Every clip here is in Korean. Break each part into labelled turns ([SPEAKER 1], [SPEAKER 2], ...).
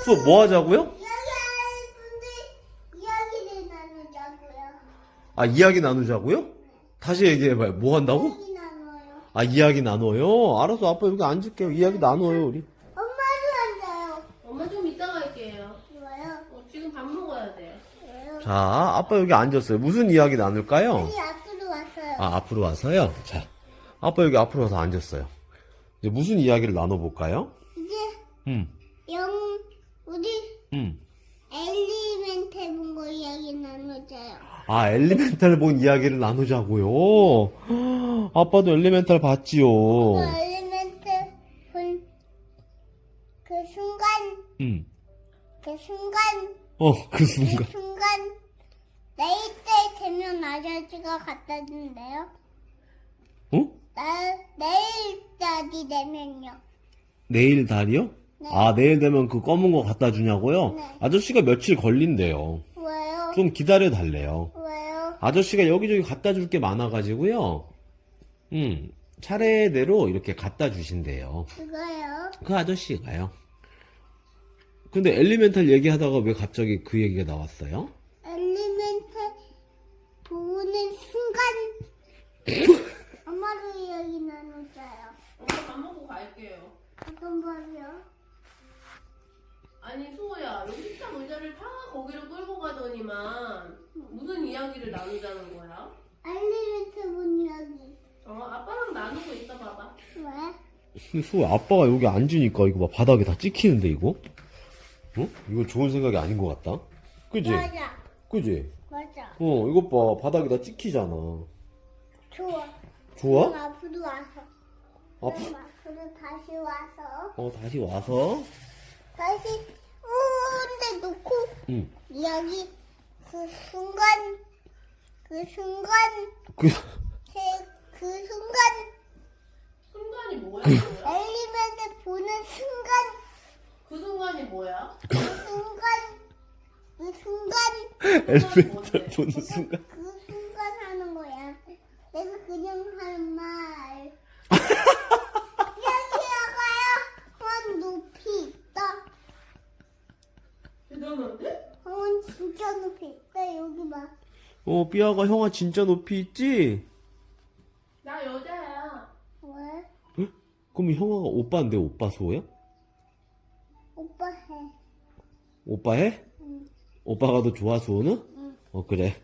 [SPEAKER 1] 수업 뭐 하자고요?
[SPEAKER 2] 여기 할 분들 이야기를 나누자고요.
[SPEAKER 1] 아, 이야기 나누자고요? 다시 얘기해봐요. 뭐 한다고?
[SPEAKER 2] 이야기 나눠요.
[SPEAKER 1] 아, 이야기 나눠요? 알았어, 아빠 여기 앉을게요. 이야기 나눠요, 우리.
[SPEAKER 2] 엄마도 앉아요.
[SPEAKER 3] 엄마 좀 이따 갈게요.
[SPEAKER 2] 좋아요.
[SPEAKER 3] 지금 밥 먹어야 돼.
[SPEAKER 2] 좋아요.
[SPEAKER 1] 자, 아빠 여기 앉았어요. 무슨 이야기 나눌까요?
[SPEAKER 2] 아니 앞으로 왔어요.
[SPEAKER 1] 아, 앞으로 와서요? 자, 아빠 여기 앞으로 와서 앉았어요. 이제 무슨 이야기를 나눠볼까요?
[SPEAKER 2] 이제
[SPEAKER 1] 음,
[SPEAKER 2] 우리 엘리멘탈 본 거 이야기 나누자요.
[SPEAKER 1] 아, 엘리멘탈 본 이야기를 나누자고요? 아빠도 엘리멘탈 봤지요?
[SPEAKER 2] 그 엘리멘탈 본 그 순간
[SPEAKER 1] 음,
[SPEAKER 2] 그 순간
[SPEAKER 1] 그
[SPEAKER 2] 그
[SPEAKER 1] 순간.
[SPEAKER 2] 순간 내일 때 되면 아저씨가 갖다 준대요.
[SPEAKER 1] 어?
[SPEAKER 2] 내일까지 되면요.
[SPEAKER 1] 내일 달이요?
[SPEAKER 2] 네.
[SPEAKER 1] 아, 내일 되면 그 검은 거 갖다 주냐고요?
[SPEAKER 2] 네.
[SPEAKER 1] 아저씨가 며칠 걸린대요.
[SPEAKER 2] 왜요?
[SPEAKER 1] 좀 기다려 달래요.
[SPEAKER 2] 왜요?
[SPEAKER 1] 아저씨가 여기저기 갖다 줄 게 많아가지고요. 차례대로 이렇게 갖다 주신대요.
[SPEAKER 2] 그거요?
[SPEAKER 1] 그 아저씨가요. 근데 엘리멘탈 얘기하다가 왜 갑자기 그 얘기가 나왔어요?
[SPEAKER 2] 엘리멘탈 보는 순간 엄마도 이야기 나누자요.
[SPEAKER 3] 엄마 밥 먹고 갈게요.
[SPEAKER 2] 어떤 말이요?
[SPEAKER 3] 아니 수호야, 여기 식탁 의자를 다 거기로 끌고 가더니만 무슨 이야기를 나누자는 거야?
[SPEAKER 2] 엘리멘탈 본 이야기.
[SPEAKER 3] 아빠랑 나누고 있어 봐봐.
[SPEAKER 2] 왜?
[SPEAKER 1] 근데 수호 아빠가 여기 앉으니까 이거 봐 바닥에 다 찍히는데 이거? 이거 좋은 생각이 아닌 것 같다. 그지?
[SPEAKER 2] 맞아.
[SPEAKER 1] 그지?
[SPEAKER 2] 맞아.
[SPEAKER 1] 이것 봐 바닥에 다 찍히잖아.
[SPEAKER 2] 좋아.
[SPEAKER 1] 좋아?
[SPEAKER 2] 그럼 앞으로 와서.
[SPEAKER 1] 앞-
[SPEAKER 2] 그럼 앞으로 다시 와서.
[SPEAKER 1] 다시 와서.
[SPEAKER 2] 다시 근데 놓고
[SPEAKER 1] 응.
[SPEAKER 2] 이야기 그 순간
[SPEAKER 1] 그,
[SPEAKER 2] 그 순간
[SPEAKER 3] 순간이 뭐야?
[SPEAKER 1] 그
[SPEAKER 3] 수호야?
[SPEAKER 2] 엘리멘트 보는 순간
[SPEAKER 3] 그 순간이 뭐야?
[SPEAKER 2] 그 순간
[SPEAKER 1] 엘리멘탈 보는 순간.
[SPEAKER 2] 그 순간 하는 거야. 내가 그냥 하는 말. 여기다가요. 원 높이 있다.
[SPEAKER 3] 대단한데?
[SPEAKER 2] 원 진짜 높이 있다. 여기 봐.
[SPEAKER 1] 삐아가 형아 진짜 높이 있지?
[SPEAKER 3] 나 여자야.
[SPEAKER 2] 왜?
[SPEAKER 1] 그럼 형아가 오빠인데 오빠 수호야?
[SPEAKER 2] 오빠 해.
[SPEAKER 1] 오빠 해?
[SPEAKER 2] 응.
[SPEAKER 1] 오빠가 더 좋아 수호는?
[SPEAKER 2] 응.
[SPEAKER 1] 그래.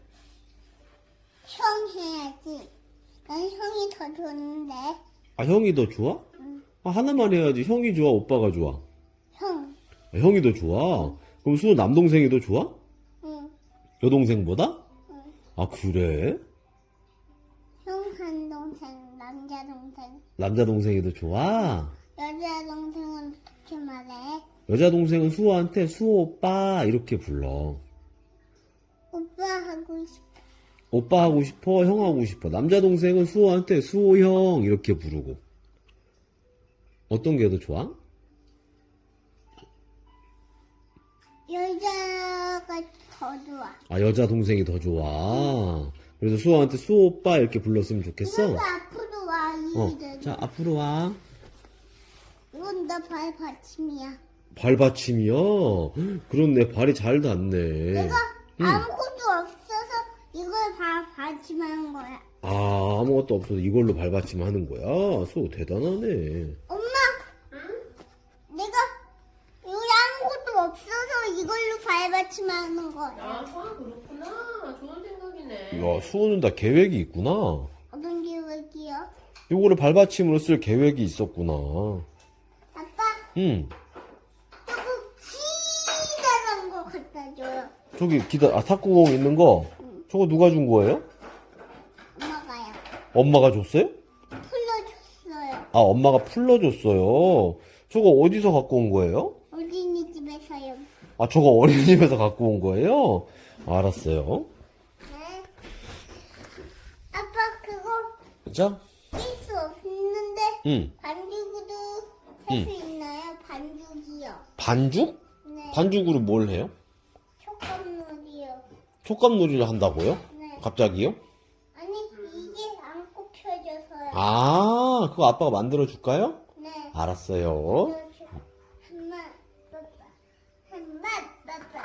[SPEAKER 2] 형 해야지. 난 형이 더 좋은데.
[SPEAKER 1] 아 형이 더 좋아?
[SPEAKER 2] 응.
[SPEAKER 1] 하나만 해야지. 형이 좋아 오빠가 좋아?
[SPEAKER 2] 형.
[SPEAKER 1] 형이 더 좋아? 그럼 수호 남동생이 더 좋아?
[SPEAKER 2] 응.
[SPEAKER 1] 여동생보다?
[SPEAKER 2] 응.
[SPEAKER 1] 아 그래?
[SPEAKER 2] 형 한 동생, 남자 동생.
[SPEAKER 1] 남자 동생이 더 좋아?
[SPEAKER 2] 여자 동생은 어떻게 말해?
[SPEAKER 1] 여자 동생은 수호한테 수호 오빠 이렇게 불러.
[SPEAKER 2] 오빠 하고 싶어.
[SPEAKER 1] 오빠 하고 싶어, 형 하고 싶어. 남자 동생은 수호한테 수호 형 이렇게 부르고. 어떤 게 더 좋아?
[SPEAKER 2] 여자가 더 좋아.
[SPEAKER 1] 아 여자 동생이 더 좋아. 그래서 수호한테 수호 오빠 이렇게 불렀으면 좋겠어.
[SPEAKER 2] 이거 앞으로 와, 이들.
[SPEAKER 1] 자 앞으로 와.
[SPEAKER 2] 이건 나 발 받침이야.
[SPEAKER 1] 발받침이요? 그렇네 발이 잘 닿네.
[SPEAKER 2] 내가 아무것도 없어서 이걸 받침하는 거야.
[SPEAKER 1] 아 아무것도 없어서 이걸로 발받침 하는 거야? 수호 대단하네.
[SPEAKER 2] 엄마! 내가 여기 아무것도 없어서 이걸로 발받침하는 거야.
[SPEAKER 3] 아, 수아 그렇구나. 좋은 생각이네.
[SPEAKER 1] 야 수호는 다 계획이 있구나.
[SPEAKER 2] 어떤 계획이요?
[SPEAKER 1] 요거를 발받침으로 쓸 계획이 있었구나.
[SPEAKER 2] 아빠,
[SPEAKER 1] 응.
[SPEAKER 2] 조금 기다란 거 갖다 줘요.
[SPEAKER 1] 저기 탁구공 있는 거 저거 누가 준 거예요?
[SPEAKER 2] 엄마가요.
[SPEAKER 1] 엄마가 줬어요?
[SPEAKER 2] 풀려줬어요.
[SPEAKER 1] 아 엄마가 풀러줬어요. 저거 어디서 갖고 온 거예요?
[SPEAKER 2] 어린이집에서요.
[SPEAKER 1] 아 저거 어린이집에서 갖고 온 거예요? 알았어요.
[SPEAKER 2] 네. 아빠, 그거
[SPEAKER 1] 자,
[SPEAKER 2] 낄 수 없는데
[SPEAKER 1] 응.
[SPEAKER 2] 반죽으로 할 수 있나요? 반죽이요.
[SPEAKER 1] 반죽?
[SPEAKER 2] 네.
[SPEAKER 1] 반죽으로 뭘 해요?
[SPEAKER 2] 촉감놀이요.
[SPEAKER 1] 촉감놀이를 한다고요?
[SPEAKER 2] 네.
[SPEAKER 1] 갑자기요?
[SPEAKER 2] 아니, 이게 안 꼽혀져서요.
[SPEAKER 1] 아, 그거 아빠가 만들어 줄까요?
[SPEAKER 2] 네.
[SPEAKER 1] 알았어요.
[SPEAKER 2] 하나, 아빠. 하나, 빼빼.